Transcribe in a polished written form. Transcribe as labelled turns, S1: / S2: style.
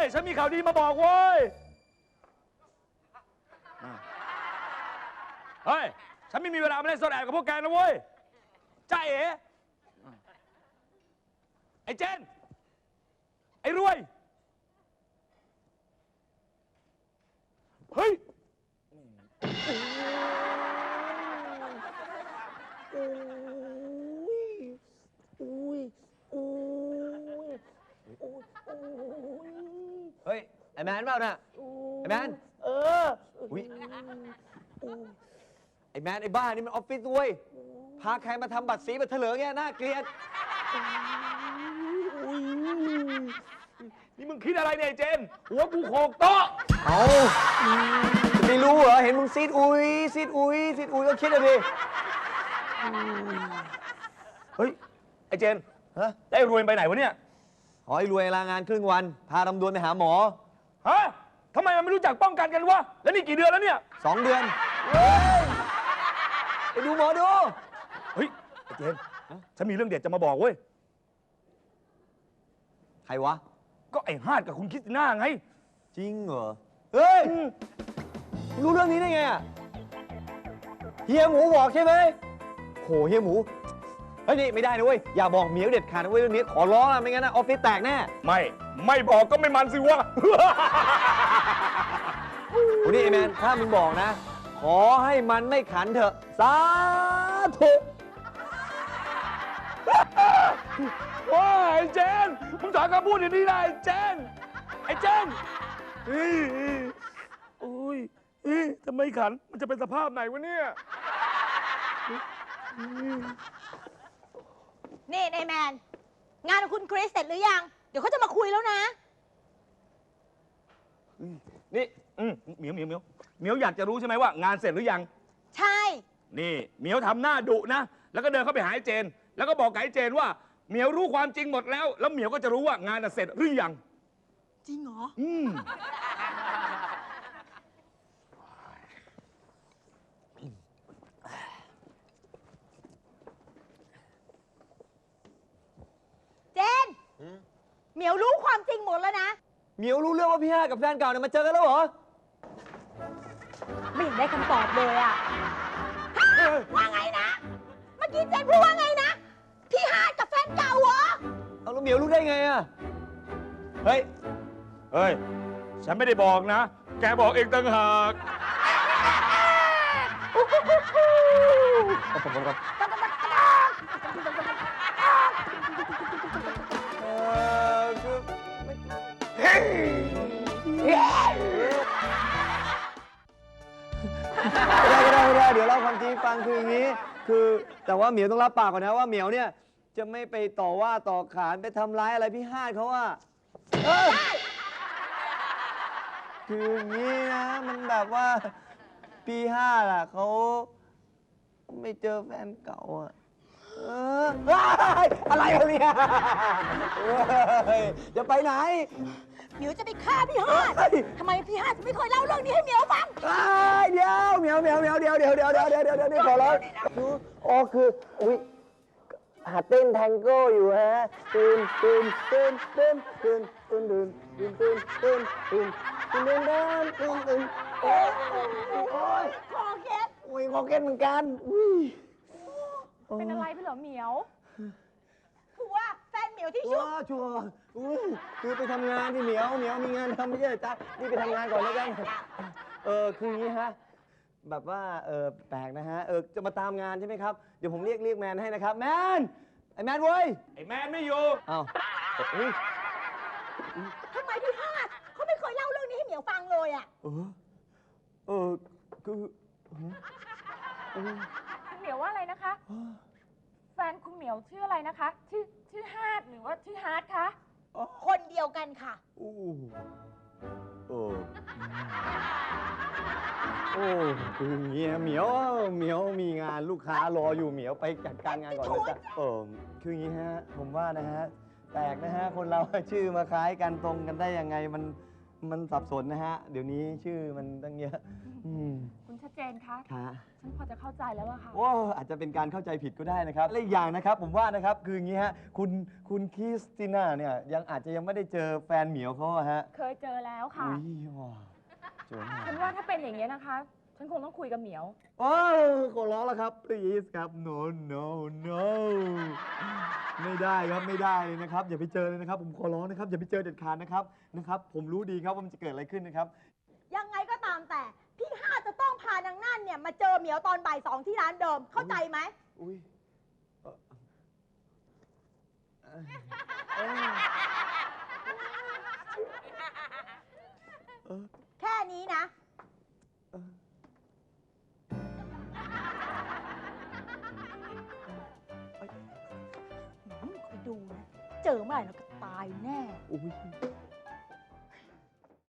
S1: ฉันมีข่าวดีมาบอกเว้ยเฮ้ยฉันไม่มีเวลามาเล่นซ่อนแอบกับพวกแกนะเว้ยจ้าเอ๋ไอ้เจนไอ้รวยเฮ้ย
S2: เฮ้ยไอ้แมนเปล่าน่ะไอ้แมนอุ้ยไอ้แมนไอ้บ้านี่มันออฟฟิศเว้ยพาใครมาทำบัตรสีบัตรเถลิงเนี่ยน่าเกลียด
S1: นี่มึงคิดอะไรเนี่ยไอ้เจนหัวกูโขกโต๊ะ
S2: เอาไม่รู้เหรอเห็นมึงซีดอุ้ยซีดอุ้ยซีดอุ้ยก็คิดอะดิ
S1: เฮ้ยไอ้เจน
S2: ฮะ
S1: ได้รวยไปไหนวะเนี่ย
S2: ขอให้รวยลางานครึ่งวันพาลำดวนไปหาหมอ
S1: ฮะทำไมมันไม่รู้จักป้องกันกันวะแล้วนี่กี่เดือนแล้วเนี่ย
S2: 2 เดือนไปดูหมอดู
S1: เฮ้ยไอ้เจนฉันมีเรื่องเด็ดจะมาบอกเว้ย
S2: ใครวะ
S1: ก็ไอ้ฮาดกับคุณคริสติน่าไง
S2: จริงเหรอเฮ้ยรู้เรื่องนี้ได้ไงอะเฮียหมูบอกใช่ไหมโหเฮียหมูเฮ้ยนี่ไม่ได้นะเว้ยอย่าบอกเหมียวเด็ดขาดนะเว้ยเรื่องนี้ขอร้องนะไม่งั้นนะออฟฟิศแตกแน่
S1: ไม่บอกก็ไม่มันสิวะ
S2: โอ้นี่ไอ้แมนถ้ามึงบอกนะขอให้มันไม่ขันเถอะสาธุ
S1: ว้าไอ้เจนมึงถอนคำพูดอย่างนี้ได้ไอ้เจนโอ้ยทำไมขันมันจะเป็นสภาพไหนวะเนี่ย
S3: นี่นายแมนงานของคุณคริสเสร็จหรือยังเดี๋ยวเขาจะมาคุยแล้วนะ
S1: นี่เหมียวอยากจะรู้ใช่ไหมว่างานเสร็จหรือยัง
S3: ใช่
S1: นี่เหมียวทำหน้าดุนะแล้วก็เดินเข้าไปหาไอ้เจนแล้วก็บอกกับไอ้เจนว่าเหมียวรู้ความจริงหมดแล้วเหมียวก็จะรู้ว่างานเสร็จหรือยัง
S3: จริงเหรอเจนเหมียวรู้ความจริงหมดแล้วนะ
S2: เหมียวรู้เรื่องว่าพี่ห้ากับแฟนเก่าเนี่ยมาเจอกันแล้วเหรอ
S3: ไม่เห็นได้คำตอบเลยอะว่าไงนะเมื่อกี้เจนพูดว่าไงนะพี่ฮาดกับแฟนเก่าเหรอ
S2: เอาแล้วเหมียวรู้ได้ไงอะ
S1: เฮ้ยฉันไม่ได้บอกนะแกบอกเองต่างหาก
S2: ได้เดี๋ยวเล่าความจริงฟังคืออย่างนี้คือแต่ว่าเหมียวต้องรับปากก่อนนะว่าเหมียวเนี่ยจะไม่ไปต่อว่าต่อขานไปทำร้ายอะไรพี่ฮาดเขาอะคืออย่างนี้นะมันแบบว่าพี่ฮาดอะเขาไม่เจอแฟนเก่าอะอะไรเนี่ยจะไปไหน
S3: เหมียวจะไปฆ่าพี่ฮาดทำไมพี่ฮาดไม่เคยเล่าเรื่องนี้ให้เหมียวฟัง
S2: เดี๋ยวเหมียวเดี๋ยวนี่ขอร้องอ๋อคืออุ้ยหัดเต้นแทงโก้อยู่ฮะตื่นโอ้ย
S3: คอเคส
S2: อุ้ยคอเคสเหมือนกัน
S3: เป็นอะไรพี่เหรอเหมียวคือว่าแฟนเหมียวที่ชั่ว
S2: คือไปทำงานที่เหมียวมีงานทำไม่ใช่จ๊ะนี่ไปทำงานก่อนแล้วกันคืออย่างนี้ฮะแบบว่าแปลกนะฮะจะมาตามงานใช่ไหมครับเดี๋ยวผมเรียกแมนให้นะครับแมนไอ้แมนเว้ย
S1: ไอ้แมนไม่อยู่
S2: อ้าว
S3: ทำไมพี่ฮาดเขาไม่เคยเล่าเรื่องนี้ให้เหมียวฟังเลยอ่ะ
S2: คือ
S4: คุณเหมียวว่าอะไรนะคะแฟนคุณเหมียวชื่ออะไรนะคะชื่อฮาร์ดหรือว่าชื่อฮาร์ดคะ
S3: คนเดียวกันค่ะ
S2: คืออย่างนี้เหมียวมีงานลูกค้ารออยู่เหมียวไปจัดการงานก่อนนะจ๊ะคืออย่างนี้ฮะผมว่านะฮะแปลกนะฮะคนเราชื่อมาคล้ายกันตรงกันได้ยังไงมันสับสนนะฮะเดี๋ยวนี้ชื่อมันตั้งเยอะ
S4: คุณคุณชัดเจนคะ
S2: ค่ะ
S4: ฉันพอจะเข้าใจแล้วอะค่ะ
S2: โอ้อาจจะเป็นการเข้าใจผิดก็ได้นะครับและอีกอย่างนะครับผมว่านะครับคืออย่างนี้ฮะคุณคริสติน่าเนี่ยยังไม่ได้เจอแฟนเหมียวเขาอะฮะ
S4: เคยเจอแล้วค่ะ
S2: อุ้ยว้าวเจอหน้า
S4: ฉันว่าถ้าเป็นอย่างนี้ยนะคะ ฉันคงต้องคุยกับเหมียว
S2: โอ้ขอร้องแล้วครับ please ครับ no no no ไม่ได้ครับไม่ได้เลยนะครับ อย่าไปเจอเลยนะครับ ผมขอร้องนะครับ อย่าไปเจอเด็ดขาดนะครับ ผมรู้ดีครับว่ามันจะเกิดอะไรขึ้นนะครับ
S3: ยังไงก็ตามแต่ พี่ฮาดจะต้องพานางนั่นเนี่ยมาเจอเหมียวตอนบ่าย 2ที่ร้านเดิม เข้าใจไหม
S2: อุ้ยเออ
S3: แค่นี้นะ คอยดูนะ เจอเมื่อไหร่เราก็ตายแน่
S2: อุ้ย